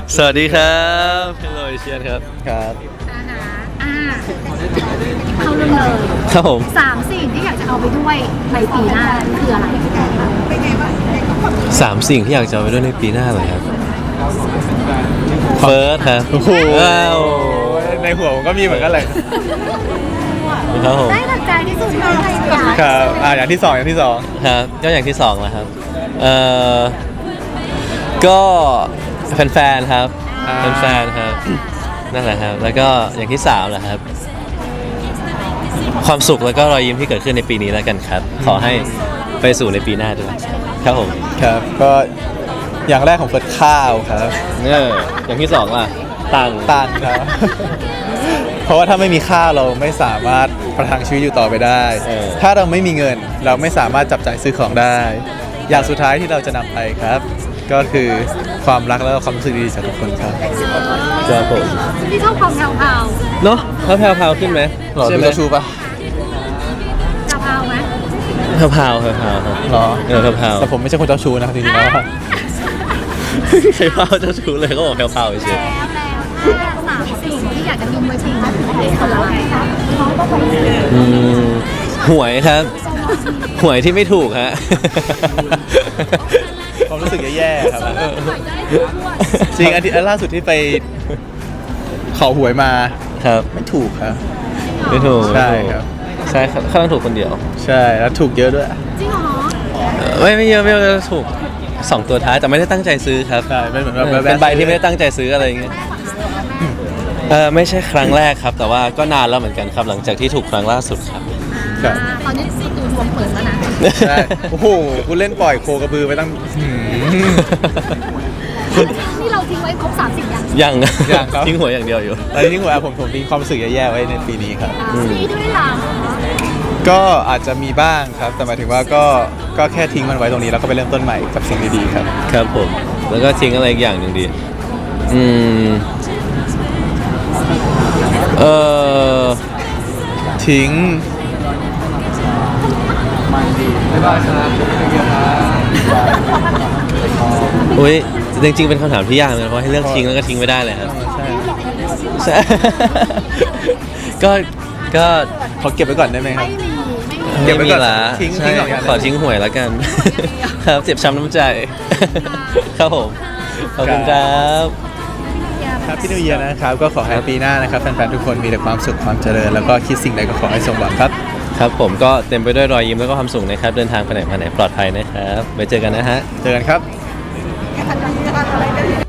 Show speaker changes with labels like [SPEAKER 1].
[SPEAKER 1] สวัสดีครับเฮลโลเชียนครับ
[SPEAKER 2] ครับ
[SPEAKER 3] เข้าเรื่องเลย
[SPEAKER 1] ครับผม
[SPEAKER 3] 3 สิ่งที่อยากจะเอาไปด้วยในปีหน้าคืออะไร
[SPEAKER 1] 3 สิ่งที่อยากจะเอาไปด้วยในปีหน้าเลยครับเฟิร์สครับโอ้โหว้าว
[SPEAKER 2] ในหัวผมก็มีเหมือนกันเลย
[SPEAKER 1] ครับผม
[SPEAKER 3] ได้หลักใจที่สุดเลยค่ะ
[SPEAKER 2] ครับอย่างที่สอง
[SPEAKER 1] ครับก็อย่างที่2แล้วครับก็แฟนๆครับแฟนๆครับนั่นแหละครับแล้วก็อย่างที่3แหละครับความสุขแล้วก็รอยยิ้มที่เกิดขึ้นในปีนี้แล้วกันครับขอให้ไปสู่ในปีหน้าด้วยครับผม
[SPEAKER 2] ครับก็อย่างแรกของเฟิร์สข้าวครับ
[SPEAKER 1] อย่างที่2ล่ะตังค์
[SPEAKER 2] ตันครับ เพราะว่าถ้าไม่มีข้าวเราไม่สามารถประทังชีวิตอยู่ต่อไปได้ ถ้าเราไม่มีเงินเราไม่สามารถจับจ่ายซื้อของได้ อย่างสุดท้ายที่เราจะนำไปครับ ก็คือความรักและความรู้สึกดีจากทุกคนครับ
[SPEAKER 1] ครับผม
[SPEAKER 3] ที่ชอบความแผ่ว
[SPEAKER 1] เนาะแผ่วๆขึ้นไหม
[SPEAKER 2] หรอ
[SPEAKER 1] ใช่
[SPEAKER 2] ดู
[SPEAKER 1] ไหม
[SPEAKER 2] เจ้าชูปะ
[SPEAKER 3] ๆจะเอาไหม
[SPEAKER 1] แผ่วๆครับ
[SPEAKER 2] หรอ
[SPEAKER 1] แผ่ว
[SPEAKER 2] แต่ผมไม่ใช่คนเจ้าชูนะครับจริงๆแล้ว
[SPEAKER 1] ๆใช่เผ่าจะชูเลยก็บอกแผ่วๆเฉย
[SPEAKER 3] แล้วถ้า3 สิ่งที่อยากจะทิ้งไว้ปีหน้าคืออะไร
[SPEAKER 1] หวยครับ หวยที่ไม่ถูกฮะ
[SPEAKER 2] ความรู้สึกแย่ๆครับจริงอันล่าสุดที่ไปขอหวยมา
[SPEAKER 1] ครับ
[SPEAKER 2] ไม่ถูกครับ
[SPEAKER 1] ไม่ถูก
[SPEAKER 2] ใช่ครับ
[SPEAKER 1] ใช่ครับข้างถูกคนเดียว
[SPEAKER 2] ใช่แล้วถูกเยอะด้วย
[SPEAKER 3] จริงเหรอ
[SPEAKER 1] ไม่เยอะถูก2 ตัวท้ายแต่ไม่ได้ตั้งใจซื้อครับ
[SPEAKER 2] ใช่เป็นเหมือนแบบ
[SPEAKER 1] เป็นใบที่ไม่ได้ตั้งใจซื้ออะไรอย่างเงี้ยไม่ใช่ครั้งแรกครับ แต่ว่าก็นานแล้วเหมือนกันครับหลังจากที่ถูกครั้งล่าสุดครับ
[SPEAKER 2] ครับ
[SPEAKER 3] ตอนนี้ซีตูดวงเปิดแล้วนะ
[SPEAKER 2] ใช่โอ้โหคุณเล่นปล่อยโคกระบือไปตั้ง
[SPEAKER 3] นี่เราทิ้งไว้ครบ3 สิ่งยัง
[SPEAKER 1] ยัง
[SPEAKER 2] ยังครับ
[SPEAKER 1] ทิ้งหัวอย่างเดียวอยู่
[SPEAKER 2] ตอนนี้หัวผมทิ้งความรู้สึกแย่ๆไว้ในปีนี้ครับ
[SPEAKER 3] มีด้วยเหรอ
[SPEAKER 2] ก็อาจจะมีบ้างครับ แต่หมายถึงว่าก็แค่ทิ้งมันไว้ตรงนี้แล้วก็ไปเริ่มต้นใหม่กับสิ่งดีๆครับ
[SPEAKER 1] ครับผม แล้วก็ทิ้งอะไรอีกอย่างหนึ่งดีเออ
[SPEAKER 2] ทิ้ง
[SPEAKER 1] อุ้ยจริงๆเป็นคำถามที่ยากนะเพราะให้เลือกทิ้งแล้วก็ทิ้งไม่ได้เลยครับ
[SPEAKER 2] ใช่
[SPEAKER 1] ใช่ ก็
[SPEAKER 2] ขอเก็บไว้ก่อนได้ไหมครับ
[SPEAKER 3] ไม่มี
[SPEAKER 2] เก็บไว้ก่อน
[SPEAKER 1] ม่มีละ
[SPEAKER 2] ทิ้ง
[SPEAKER 1] ใช่
[SPEAKER 2] ทิ้งสองอย่าง
[SPEAKER 1] ขอทิ้งหวยแล้วกัน ครับเจ็บช้ำน้ำใจ ครับผม ขอบคุณครับ
[SPEAKER 2] ครับพี่นิวเยียร์นะครับก็ขอให้ปีหน้านะครับแฟนๆทุกคนมีแต่ความสุขความเจริญแล้วก็คิดสิ่งใดก็ขอให้สมหวังครับ
[SPEAKER 1] ครับผมก็เต็มไปด้วยรอยยิ้มแล้วก็ความสุขนะครับ เดินทางไปไหนมาไหนปลอดภัยนะครับ ไว้เจอกันนะฮะ
[SPEAKER 2] เจอกันครับ